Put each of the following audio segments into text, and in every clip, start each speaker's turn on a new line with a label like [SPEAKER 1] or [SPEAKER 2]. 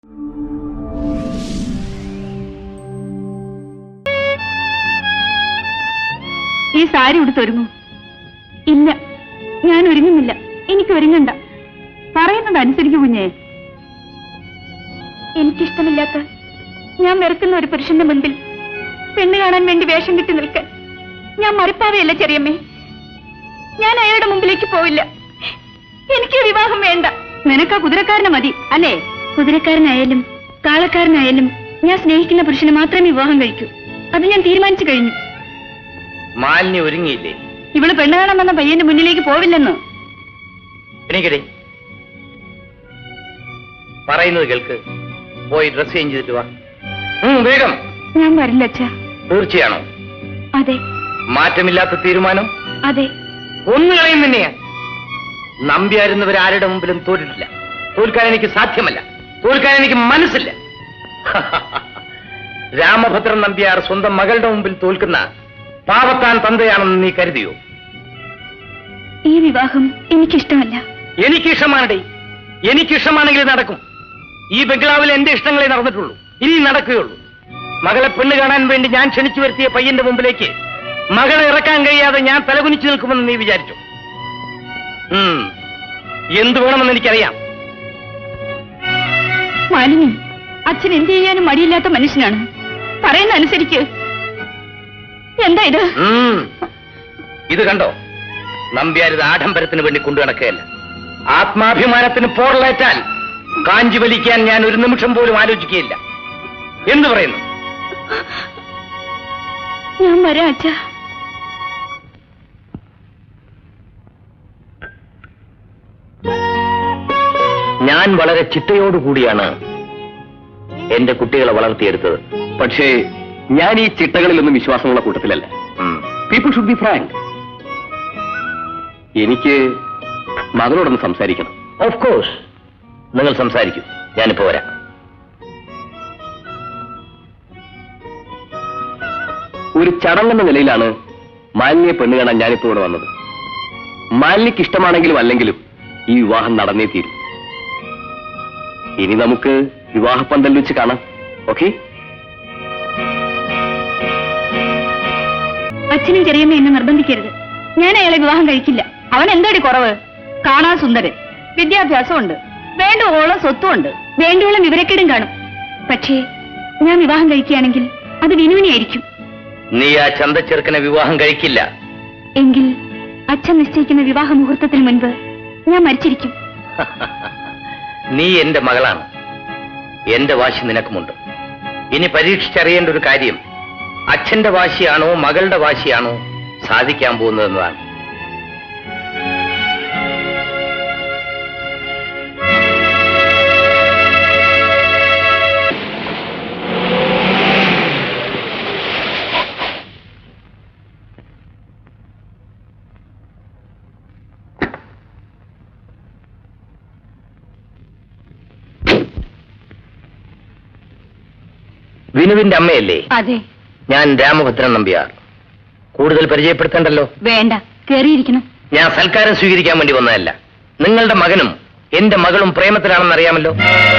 [SPEAKER 1] ഈ സാരി ഉടുത്തൊരുങ്ങൂ. ഇല്ല, ഞാൻ ഒരുങ്ങുന്നില്ല. എനിക്ക് ഒരുങ്ങണ്ട. പറയുന്നത് അനുസരിക്കൂ കുഞ്ഞേ. എനിക്കിഷ്ടമില്ലാത്ത, ഞാൻ വെറുക്കുന്ന ഒരു പുരുഷന്റെ മുൻപിൽ പെണ്ണ് കാണാൻ വേണ്ടി വേഷം കിട്ടി നിൽക്കാൻ ഞാൻ മറിപ്പാവയല്ല ചെറിയമ്മേ. ഞാൻ അയാളുടെ മുമ്പിലേക്ക് പോവില്ല. എനിക്ക് വിവാഹം വേണ്ട. നിനക്ക് ആ കുതിരക്കാരനെ മതി അല്ലേ? കുതിരക്കാരനായാലും കാളക്കാരനായാലും ഞാൻ സ്നേഹിക്കുന്ന പുരുഷനെ മാത്രമേ വിവാഹം കഴിക്കൂ. അത് ഞാൻ തീരുമാനിച്ചു കഴിഞ്ഞു.
[SPEAKER 2] മാലിന്യ ഒരുങ്ങിയില്ലേ?
[SPEAKER 1] ഇവള് പെണ്ണ് കാണാൻ വന്ന പയ്യന്റെ മുന്നിലേക്ക് പോവില്ലെന്ന്.
[SPEAKER 2] എനിക്കിടെ പറയുന്നത് കേൾക്ക്. പോയി ഡ്രസ് ചേഞ്ച് ചെയ്തിട്ട് വാ. വേഗം.
[SPEAKER 1] ഞാൻ വരില്ല അച്ഛാ.
[SPEAKER 2] തീർച്ചയാണോ?
[SPEAKER 1] അതെ.
[SPEAKER 2] മാറ്റമില്ലാത്ത തീരുമാനം?
[SPEAKER 1] അതെ.
[SPEAKER 2] ഒന്നുകളെയും തന്നെയാ. നമ്പിയായിരുന്നവരാരുടെ മുമ്പിലും തോറ്റിട്ടില്ല. തോൽക്കാൻ എനിക്ക് സാധ്യമല്ല. തോൽക്കാൻ എനിക്ക് മനസ്സില്ല. രാമഭദ്രൻ നമ്പ്യാർ സ്വന്തം മകളുടെ മുമ്പിൽ തോൽക്കുന്ന പാവത്താൻ തന്തയാണെന്ന് നീ കരുതിയോ?
[SPEAKER 1] ഈ വിവാഹം എനിക്കിഷ്ടമല്ല.
[SPEAKER 2] എനിക്കിഷ്ടമാണേ. എനിക്കിഷ്ടമാണെങ്കിൽ നടക്കും. ഈ ബംഗ്ലാവിൽ എന്റെ ഇഷ്ടങ്ങളെ നടന്നിട്ടുള്ളൂ. ഇനി നടക്കുകയുള്ളൂ. മകളെ പെണ്ണ് കാണാൻ വേണ്ടി ഞാൻ ക്ഷണിച്ചു വരുത്തിയ പയ്യന്റെ മുമ്പിലേക്ക് മകളെ ഇറക്കാൻ കഴിയാതെ ഞാൻ തലകുനിച്ചു നിൽക്കുമെന്ന് നീ വിചാരിച്ചു? എന്തു വേണമെന്ന് എനിക്കറിയാം.
[SPEAKER 1] മാലിനി, അച്ഛൻ എന്ത് ചെയ്യാനും മടിയില്ലാത്ത മനുഷ്യനാണ്. പറയുന്ന അനുസരിക്ക്. എന്താ ഇത്?
[SPEAKER 2] ഇത് കണ്ടോ? നമ്പ്യാരിത് ആഡംബരത്തിന് വേണ്ടി കൊണ്ടു നടക്കുകയല്ല. ആത്മാഭിമാനത്തിന് പോറലേറ്റാൽ കാഞ്ചി വലിക്കാൻ ഞാൻ ഒരു നിമിഷം പോലും ആലോചിക്കുകയില്ല. എന്തു പറയുന്നു?
[SPEAKER 1] ഞാൻ വരാം അച്ഛാ.
[SPEAKER 2] ഞാൻ വളരെ ചിട്ടയോടുകൂടിയാണ് എന്റെ കുട്ടികളെ വളർത്തിയെടുത്തത്.
[SPEAKER 3] പക്ഷേ ഞാൻ ഈ ചിട്ടകളിലൊന്നും വിശ്വാസമുള്ള കൂട്ടത്തിലല്ല. People should be frank. എനിക്ക് മകളോടൊന്ന് സംസാരിക്കണം.
[SPEAKER 2] ഓഫ് കോഴ്സ്, നിങ്ങൾ സംസാരിക്കൂ. ഞാനിപ്പോ വരാം.
[SPEAKER 3] ഒരു ചടങ്ങെന്ന നിലയിലാണ് മാലിന്യെ പെണ്ണ് കാണാൻ ഞാനിപ്പോ ഇവിടെ വന്നത്. മാലിന്യക്ക് ഇഷ്ടമാണെങ്കിലും അല്ലെങ്കിലും ഈ വിവാഹം നടന്നേ തീരും. ഇനി നമുക്ക് വിവാഹപ്പന്തൽ വെച്ച് കാണാം. ഓക്കെ?
[SPEAKER 1] അച്ഛനും ചെറിയമ്മ എന്നെ നിർബന്ധിക്കരുത്. ഞാൻ അയാളെ വിവാഹം കഴിക്കില്ല. അവൻ എന്താടി കുറവ്? കാണാൻ സുന്ദരൻ, വിദ്യാഭ്യാസമുണ്ട്, വേണ്ടുവോളം സ്വത്തുമുണ്ട്, വേണ്ടുവോളം വിവരക്കേടും കാണും. പക്ഷേ ഞാൻ വിവാഹം കഴിക്കുകയാണെങ്കിൽ അത് വിനുവിനെയായിരിക്കും.
[SPEAKER 2] നീ ആ ചന്തച്ചെറുക്കനെ വിവാഹം കഴിക്കില്ല.
[SPEAKER 1] എങ്കിൽ അച്ഛൻ നിശ്ചയിക്കുന്ന വിവാഹ മുഹൂർത്തത്തിന് മുൻപ് ഞാൻ മരിച്ചിരിക്കും.
[SPEAKER 2] നീ എന്റെ മകളാണ്. എന്റെ വാശി നിനക്കുമുണ്ട്. ഇനി പരീക്ഷിച്ചറിയേണ്ട ഒരു കാര്യം അച്ഛന്റെ വാശിയാണോ മകളുടെ വാശിയാണോ സാധിക്കാൻ പോകുന്നതെന്നതാണ്. വിനുവിന്റെ അമ്മയല്ലേ?
[SPEAKER 1] അതെ.
[SPEAKER 2] ഞാൻ രാമഭദ്രൻ നമ്പ്യാർ. കൂടുതൽ പരിചയപ്പെടുത്തേണ്ടല്ലോ.
[SPEAKER 1] വേണ്ട, കേറിയിരിക്കണം.
[SPEAKER 2] ഞാൻ സൽക്കാരം സ്വീകരിക്കാൻ വേണ്ടി വന്നതല്ല. നിങ്ങളുടെ മകനും എന്റെ മകളും പ്രേമത്തിലാണെന്ന് അറിയാമല്ലോ.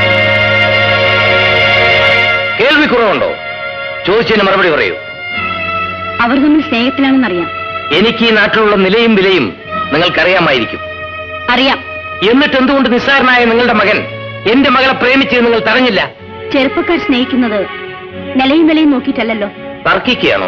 [SPEAKER 2] കേൾവി കുറവുണ്ടോ? ചോദിച്ചതിന് മറുപടി പറയൂ.
[SPEAKER 1] അവർ തമ്മിൽ സ്നേഹത്തിലാണെന്നറിയാം.
[SPEAKER 2] എനിക്ക് ഈ നാട്ടിലുള്ള നിലയും വിലയും നിങ്ങൾക്കറിയാമായിരിക്കും.
[SPEAKER 1] അറിയാം.
[SPEAKER 2] എന്നിട്ട് എന്തുകൊണ്ട് നിസ്സാരനായ നിങ്ങളുടെ മകൻ എന്റെ മകളെ പ്രേമിച്ചത് നിങ്ങൾ തടഞ്ഞില്ല?
[SPEAKER 1] ചെറുപ്പക്കാർ സ്നേഹിക്കുന്നത് നിലയും വിലയും നോക്കിയിട്ടല്ലോ.
[SPEAKER 2] തർക്കിക്കുകയാണോ?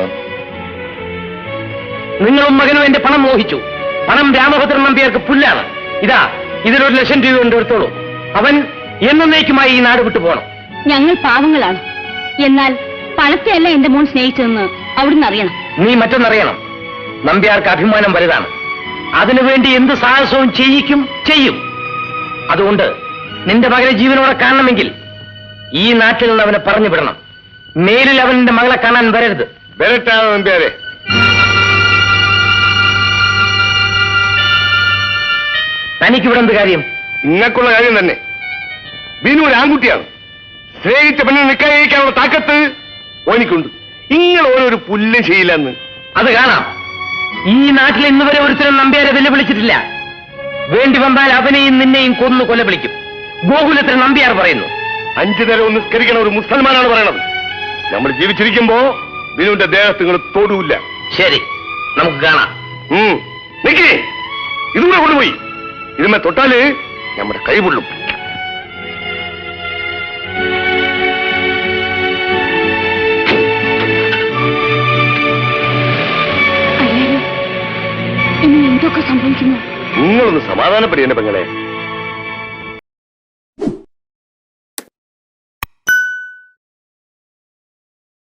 [SPEAKER 2] നിങ്ങളും മകനും എന്റെ പണം മോഹിച്ചു. പണം രാമഭദ്രൻ നമ്പ്യാർക്ക് പുല്ലാണ്. ഇതാ, ഇതിലൊരു 1,00,000 രൂപ കൊണ്ട് എടുത്തോളൂ. അവൻ എന്നേക്കുമായി ഈ നാട് വിട്ടു പോകണം.
[SPEAKER 1] ഞങ്ങൾ പാവങ്ങളാണ്. എന്നാൽ പണത്തെയല്ല എന്റെ മോൻ സ്നേഹിച്ചതെന്ന് അവിടുന്ന് അറിയണം.
[SPEAKER 2] നീ മറ്റൊന്നറിയണം. നമ്പ്യാർക്ക് അഭിമാനം വലുതാണ്. അതിനുവേണ്ടി എന്ത് സാഹസവും ചെയ്യും. അതുകൊണ്ട് നിന്റെ മകനെ ജീവനോടെ കാണണമെങ്കിൽ ഈ നാട്ടിൽ നിന്ന് അവനെ പറഞ്ഞു വിടണം. മേലിൽ അവൻ എന്റെ മകളെ കാണാൻ വരരുത്.
[SPEAKER 3] വരട്ടാണ് നമ്പ്യാരെ.
[SPEAKER 2] തനിക്കിവിടെ എന്ത് കാര്യം?
[SPEAKER 3] നിങ്ങൾക്കുള്ള കാര്യം തന്നെ. ബിനു ഒരു ആൺകുട്ടിയാണ്. സ്നേഹിച്ച പെണ്ണിനെ നിക്കാനുള്ള താക്കത്ത് ഓനിക്കുണ്ട്. നിങ്ങൾ ഓരോരു പുല്ലും ചെയ്യില്ലെന്ന്
[SPEAKER 2] അത് കാണാം. ഈ നാട്ടിൽ ഇന്ന് വരെ ഒരുത്തരും നമ്പ്യാരെ വെല്ലുവിളിച്ചിട്ടില്ല. വേണ്ടി വന്നാൽ അവനെയും നിന്നെയും കൊന്നു കൊലവിളിക്കും. ഗോകുലത്തിൽ നമ്പ്യാർ പറയുന്നു.
[SPEAKER 4] 5 നേരം ഒന്ന് നിസ്കരിക്കണ ഒരു മുസൽമാനാണ് പറയണത്. നമ്മൾ ജീവിച്ചിരിക്കുമ്പോ ബിനുവിന്റെ ദേഹത്ത് നിങ്ങൾ തൊടൂല്ല.
[SPEAKER 2] ശരി, നമുക്ക് കാണാം.
[SPEAKER 4] നിക്കേ, ഇതുകൂടെ കൊണ്ടുപോയി. ഇതുമേ തൊട്ടാല് നമ്മുടെ കൈ പൊള്ളും.
[SPEAKER 1] ഇനി എന്തൊക്കെ സംഭവിക്കുന്നു?
[SPEAKER 4] നിങ്ങളൊന്ന് സമാധാനപ്പെടിയേണ്ട പെങ്ങളെ.